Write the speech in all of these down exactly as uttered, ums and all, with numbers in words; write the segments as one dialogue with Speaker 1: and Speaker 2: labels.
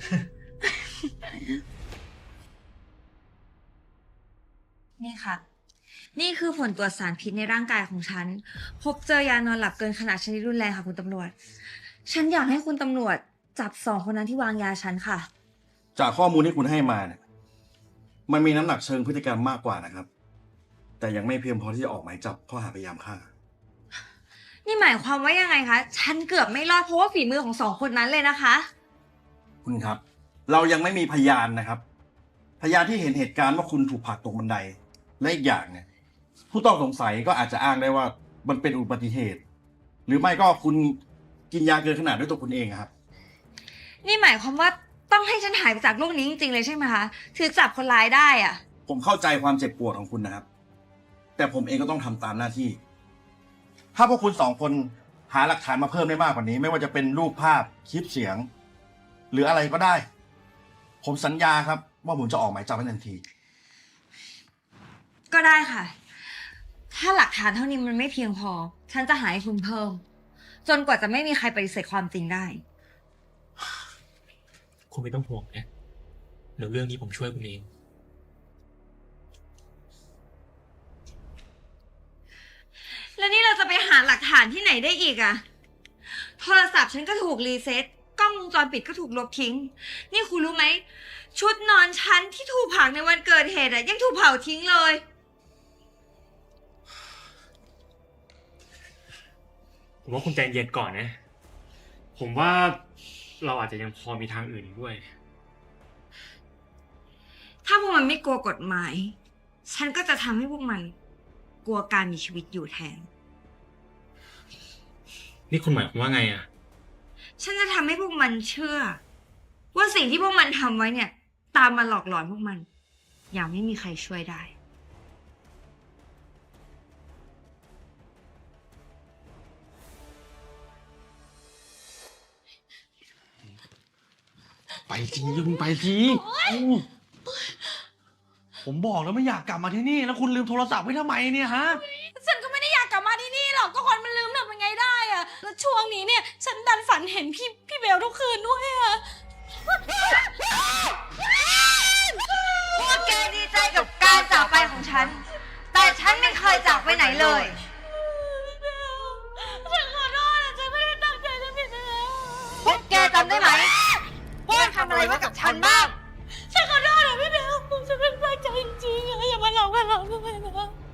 Speaker 1: นี่ค่ะ นี่คือผลตรวจสารพิษในร่างกายของฉัน พบเจอยานอนหลับเกินขนาดชนิดรุนแรงค่ะคุณตำรวจ ฉันอยากให้คุณตำรวจจับสองคนนั้นที่วางยาฉันค่ะ
Speaker 2: จากข้อมูลที่คุณให้มาเนี่ยมันมีน้ำหนักเชิงพฤติกรรมมากกว่านะครับ แต่ยังไม่เพียงพอที่จะออกหมายจับข้อหาพยายามฆ่า
Speaker 1: นี่หมายความว่ายังไงคะ ฉันเกือบไม่รอดเพราะว่าฝีมือของสองคนนั้นเลยนะคะ
Speaker 2: คุณครับ เรายังไม่มีพยานนะครับ พยานที่เห็นเหตุการณ์ว่าคุณถูกผลักตกบันไดและอีกอย่างเนี่ยผู้ต้องสงสัยก็อาจจะอ้างได้ว่ามันเป็นอุบัติเหตุ หรือไม่ก็คุณกินยาเกินขนาดด้วยตัวคุณเองครับ
Speaker 1: นี่หมายความว่าต้องให้ฉันหายไปจากโลกนี้จริงๆเลยใช่ไหมคะถือจับคนร้ายได้อะ
Speaker 2: ผมเข้าใจความเจ็บปวดของคุณนะครับ แต่ผมเองก็ต้องทำตามหน้าที่ ถ้าพวกคุณสองคนหาหลักฐานมาเพิ่มได้มากกว่านี้ ไม่ว่าจะเป็นรูปภาพคลิปเสียง หรืออะไรก็ได้ ผมสัญญาครับว่าผมจะออกหมายจับให้ทันที
Speaker 1: ก็ได้ค่ะ ถ้าหลักฐานเท่านี้มันไม่เพียงพอ ฉันจะหาให้คุณเพิ่ม จนกว่าจะไม่มีใครปฏิเสธความจริงได้
Speaker 3: คุณไม่ต้องห่วงนะเดี๋ยวเรื่องนี้ผมช่วยคุณเอง
Speaker 1: แล้วนี่เราจะไปหาหลักฐานที่ไหนได้อีกอะโทรศัพท์ฉันก็ถูกรีเซ็ต กล้องวงจรปิดก็ถูกลบทิ้ง นี่คุณรู้ไหม ชุดนอนฉันที่ถูกเผาในวันเกิดเหตุอะยังถูกเผาทิ้งเลย
Speaker 3: ผมว่าคุณใจเย็นก่อนนะ ผมว่าเราอาจจะยังพอมีทางอื่นอีกด้วย
Speaker 1: ถ้าพวกมันไม่กลัวกฎหมาย ฉันก็จะทำให้พวกมัน กลัวการมีชีวิตอยู่แทน
Speaker 3: นี่คุณหมายความว่าไงอะ
Speaker 1: ฉันจะทำให้พวกมันเชื่อ ว่าสิ่งที่พวกมันทำไว้เนี่ย ตามมาหลอกหลอนพวกมัน อย่างไม่มีใครช่วยได้
Speaker 4: ไปทีคุณไปทีผมบอกแล้วไม่อยากกลับมาที่นี่ แล้วคุณลืมโทรศัพท์ไว้ทำไมเนี่ยฮะ
Speaker 5: ฉันก็ไม่ได้อยากกลับมาที่นี่หรอก ก็คนมันลืมทำยังไงได้อะแล้วช่วงนี้เนี่ย ฉันดันฝันเห็นพี่พี่เบลทุกคืนด้วยอะ
Speaker 1: พวกแกดีใจกับการจากไปของฉัน แต่ฉันไม่เคยจากไปไหนเลย
Speaker 5: ฉันขอโทษนะฉันไม่ได้ตั้งใจจะผิดไปแล้ว
Speaker 1: พวกแกจำได้ไหมว่าทำอะไรไว้กับฉันบ้าง
Speaker 5: ฉันขอโทษนะพี่เบลฉันไม่ได้ตั้งใจจริงๆอะอย่ามาหลอกกันหรอกด้วยนะ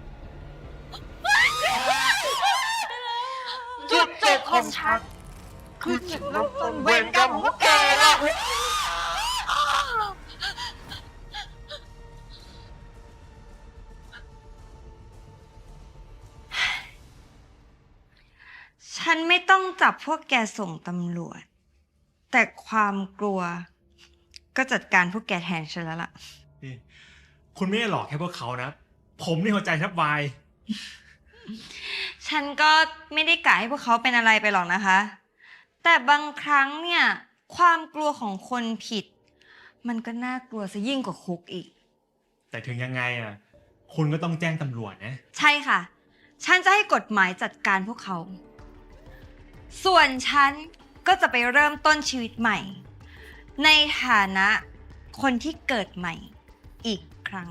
Speaker 1: จุดจบของฉัน คือจุดเริ่มต้นเวรกรรมของพวกแกล่ะ ฉันไม่ต้องจับพวกแกส่งตำรวจ แต่ความกลัว ก็จัดการพวกแกแทนฉันแล้วล่ะ
Speaker 3: นี่คุณไม่ได้หลอกแค่พวกเขานะ ผมนี่หัวใจแทบวาย
Speaker 1: ฉันก็ไม่ได้กะให้พวกเขาเป็นอะไรไปหรอกนะคะ แต่บางครั้งเนี่ย ความกลัวของคนผิด มันก็น่ากลัวซะยิ่งกว่าคุกอีก
Speaker 3: แต่ถึงยังไงอะคุณก็ต้องแจ้งตำรวจนะ
Speaker 1: ใช่ค่ะ ฉันจะให้กฎหมายจัดการพวกเขา ส่วนฉันก็จะไปเริ่มต้นชีวิตใหม่ ในฐานะคนที่เกิดใหม่อีกครั้ง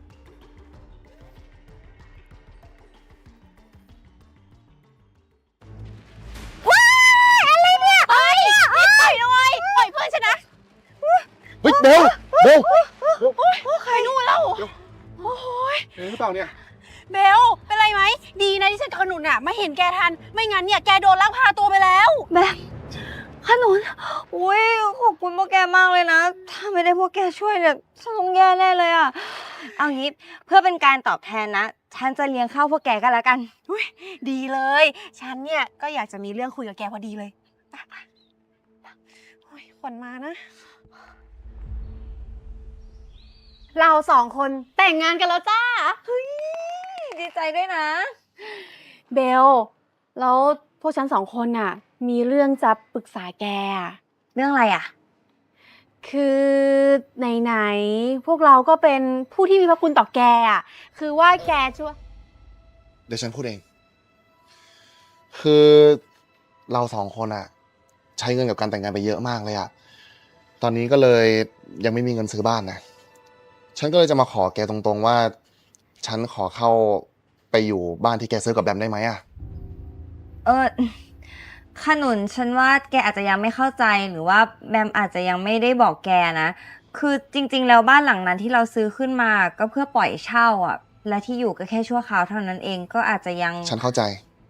Speaker 5: ปล่อยด้วยปล่อยเพื่อนฉันนะ
Speaker 6: เฮ้ยเบลเบล
Speaker 5: ใครนู่นแล้วโอ้ย
Speaker 6: เห็นหรือเปล่าเนี่ย
Speaker 5: เบลเป็นไรไหมดีนะที่ฉันขนุนอะไม่เห็นแกทัน ไม่งั้นเนี่ยแกโดนลักพาตัวไปแล้ว
Speaker 1: แบบขนุนอุ้ยขอบคุณพวกแกมากเลยนะ ถ้าไม่ได้พวกแกช่วยเนี่ยฉันต้องแย่แน่เลยอ่ะ เอางี้เพื่อเป็นการตอบแทนนะ ฉันจะเลี้ยงข้าวพวกแกกันแล้วกัน
Speaker 5: ดีเลย ฉันเนี่ยก็อยากจะมีเรื่องคุยกับแกพอดีเลยไปไปโอ้ยขวัญมานะ เราสองคนแต่งงานกันแล้วจ้า
Speaker 1: ดีใจด้วยนะ
Speaker 5: เบล แล้วพวกฉันสองคนน่ะ มีเรื่องจะปรึกษาแกอะ
Speaker 1: เรื่องอะไรอ่ะ
Speaker 5: คือไหนๆพวกเราก็เป็นผู้ที่มีพระคุณต่อแกอ่ะ คือว่าแกช่วย
Speaker 6: เดี๋ยวฉันพูดเอง คือเราสองคนอะใช้เงินกับการแต่งงานไปเยอะมากเลยอะตอนนี้ก็เลยยังไม่มีเงินซื้อบ้านนะ ฉันก็เลยจะมาขอแกตรงๆว่า ฉันขอเข้าไปอยู่บ้านที่แกซื้อกับแบมได้ไหมอะ
Speaker 1: เออขนุนฉันว่าแกอาจจะยังไม่เข้าใจหรือว่าแบมอาจจะยังไม่ได้บอกแกนะ คือจริงๆแล้วบ้านหลังนั้นที่เราซื้อขึ้นมาก็เพื่อปล่อยเช่าอ่ะ และที่อยู่ก็แค่ชั่วคราวเท่านั้นเองก็อาจจะยัง
Speaker 6: ฉันเข้าใจ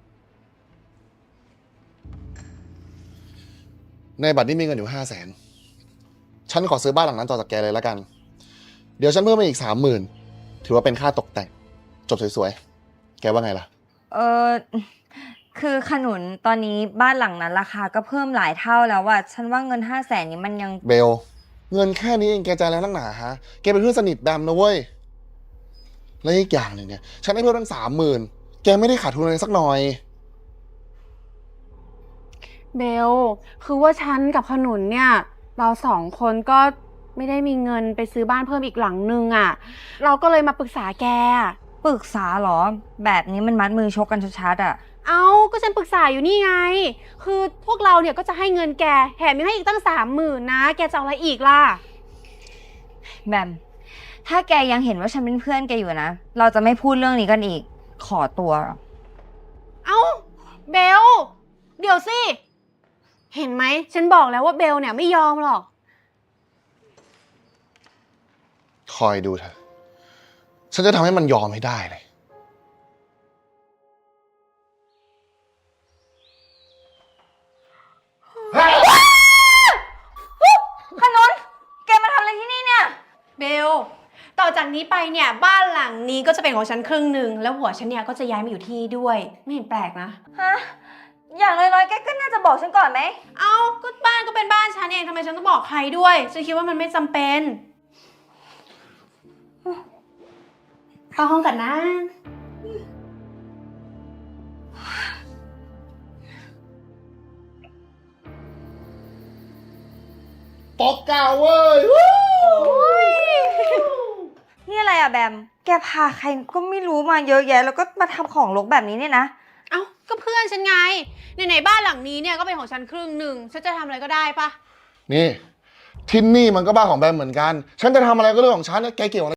Speaker 6: ในบัตรนี้มีเงินอยู่ห้าแสน ฉันขอซื้อบ้านหลังนั้นต่อจากแกเลยแล้วกัน เดี๋ยวฉันเพิ่มมาอีกสามหมื่นถือว่าเป็นค่าตกแต่ง จบสวยๆ แกว่าไงล่ะ
Speaker 1: เออคือขนุนตอนนี้บ้านหลังนั้นราคาก็เพิ่มหลายเท่าแล้วอ่ะฉันว่าเงินห้าแสนนี้มันยัง
Speaker 6: เบล เงินแค่นี้เองแกใจแล้วนักหนาฮะ แกเป็นเพื่อนสนิทแบมนะเว้ย และอีกอย่างหนึ่งเนี่ย ฉันให้เพิ่มตั้งสามหมื่นแกไม่ได้ขาดทุนอะไรสักหน่อย
Speaker 5: เบล คือว่าฉันกับขนุนเนี่ย เราสองคนก็ไม่ได้มีเงินไปซื้อบ้านเพิ่มอีกหลังนึงอะ่ะ เราก็เลยมาปรึกษาแกอะ
Speaker 1: ปรึกษาเหรอ แบบนี้มันมัดมือชกกันชัดๆอ่ะ
Speaker 5: เอาก็ฉันปรึกษาอยู่นี่ไง คือพวกเราเนี่ยก็จะให้เงินแกแถมยังให้อีกตั้งสามหมื่นนะ แกจะเอาอะไรอีกล่ะ
Speaker 1: แบม ถ้าแกยังเห็นว่าฉันเป็นเพื่อนแกอยู่นะ เราจะไม่พูดเรื่องนี้กันอีก ขอตัว
Speaker 5: เอ้าเบล เดี๋ยวสิ เห็นไหม ฉันบอกแล้วว่าเบลเนี่ยไม่ยอมหรอก
Speaker 6: คอยดูเถอะ ฉันจะทำให้มันยอมให้ได้เลย
Speaker 1: ขนุน แกมาทำอะไรที่นี่เนี่ย
Speaker 5: เบล ต่อจากนี้ไปเนี่ยบ้านหลังนี้ก็จะเป็นของฉันครึ่งหนึ่งแล้วหัวฉันเนี่ยก็จะย้ายมาอยู่ที่นี่ด้วย ไม่เห็นแปลกนะ
Speaker 1: ฮะ อย่างน้อยๆ แกก็น่าจะบอกฉันก่อนไหม
Speaker 5: เอ้าก็บ้านก็เป็นบ้านฉันเองทำไมฉันต้องบอกใครด้วย ฉันคิดว่ามันไม่จำเป็นเข้าห้องกันนะ
Speaker 6: ปอกเก่าเว้ย
Speaker 1: นี่อะไรอะแบม แกพาใครก็ไม่รู้มาเยอะแยะ แล้วก็มาทำของรกแบบนี้เนี่ยนะ
Speaker 5: เอ้าก็เพื่อนฉันไงในไหนๆบ้านหลังนี้เนี่ยก็เป็นของฉันครึ่งหนึ่งฉันจะทำอะไรก็ได้ปะ
Speaker 6: นี่ ที่นี่มันก็บ้านของแบมเหมือนกัน ฉันจะทำอะไรก็เรื่องของฉันนะแกเกี่ยวอะไร